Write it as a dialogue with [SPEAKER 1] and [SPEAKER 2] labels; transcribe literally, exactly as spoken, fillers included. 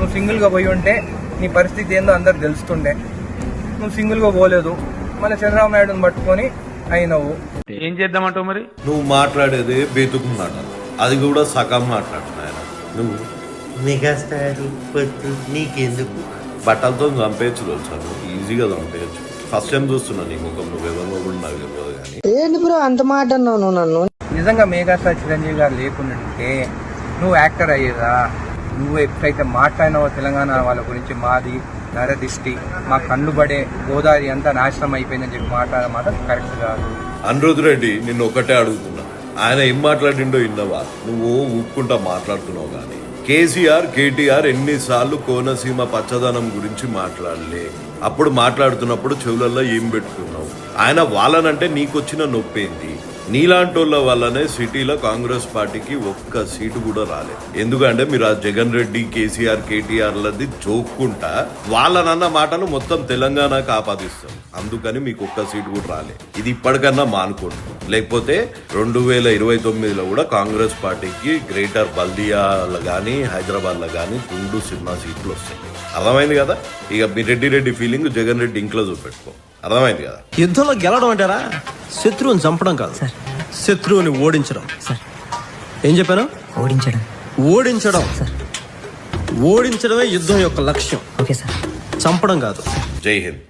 [SPEAKER 1] నువ్వు సింగిల్గా పోయి ఉంటే నీ పరిస్థితి ఏందో అందరు తెలుస్తుండే. నువ్వు సింగిల్గా పోలేదు, మళ్ళీ చంద్రబాబు నాయుడుని పట్టుకొని అయినవు.
[SPEAKER 2] ఏం చేద్దామంటావు మరి?
[SPEAKER 3] నువ్వు మాట్లాడేది బేతుకు మాట, అది కూడా సగం మాట్లాడుతున్నాయన. నువ్వు మెగాస్టార్ నీకెందుకు బట్టలతో చంపేయచ్చు తెలుసా? నువ్వు ఈజీగా చంపేయచ్చు. ఫస్ట్ టైం చూస్తున్నా నీ ముఖం, నువ్వు ఎవరిలో కూడా నాకు తెలియదు. కానీ
[SPEAKER 4] ఏంటి బ్రో అంత మాట అన్నావు నువ్వు నన్ను?
[SPEAKER 1] నిజంగా మెగాస్టార్ చిరంజీవి గారు లేకుండాంటే నువ్వు యాక్టర్ అయ్యేదా? నువ్వు ఎప్పుడైతే మాట్లాడినావో తెలంగాణ వాళ్ళ గురించి, మాది నరదిష్టి, మా కళ్ళు పడే గోదావరి అంతా నాశనం అయిపోయిందని చెప్పి మాట్లాడడం మాత్రం కరెక్ట్ కాదు.
[SPEAKER 3] అనిరుద్ రెడ్డి నిన్ను ఒకటే అడుగుతున్నా, ఆయన ఏం మాట్లాడిండో ఇన్నవా? నువ్వు ఊపుకుంటా మాట్లాడుతున్నావు. కానీ కేసీఆర్ కేటీఆర్ ఎన్నిసార్లు కోనసీమ పచ్చదనం గురించి మాట్లాడలే? అప్పుడు మాట్లాడుతున్నప్పుడు చెవులలో ఏం పెట్టుకున్నావు? ఆయన వాళ్ళనంటే నీకొచ్చిన నొప్పేంది? నీలాంటి వాళ్ళ వల్లనే సిటీలో కాంగ్రెస్ పార్టీకి ఒక్క సీటు కూడా రాలేదు. ఎందుకంటే మీరు ఆ జగన్ రెడ్డి కేసీఆర్ కేటీఆర్లది జోక్కుంటా వాళ్ళనన్న మాటను మొత్తం తెలంగాణకు ఆపాదిస్తాం. అందుకని మీకు ఒక్క సీటు కూడా రాలే. ఇది ఇప్పటికన్నా మానుకోండి, లేకపోతే రెండు వేల ఇరవై తొమ్మిదిలో కూడా కాంగ్రెస్ పార్టీకి గ్రేటర్ బల్దియాలో కానీ హైదరాబాద్లో కానీ రెండు సినిమా సీట్లు వస్తాయి. అర్థమైంది కదా? ఇక మీ రెడ్డి రెడ్డి ఫీలింగ్ జగన్ రెడ్డి ఇంట్లో చూపెట్టుకో. అర్థమైంది కదా?
[SPEAKER 5] యుద్ధంలో గెలవడం అంటారా శత్రువుని చంపడం కాదు, శత్రువుని ఓడించడం. ఏం చెప్పాను?
[SPEAKER 4] ఓడించడం.
[SPEAKER 5] ఓడించడం ఓడించడమే యుద్ధం యొక్క లక్ష్యం,
[SPEAKER 4] ఓకే సార్.
[SPEAKER 5] చంపడం కాదు.
[SPEAKER 3] జై హింద్.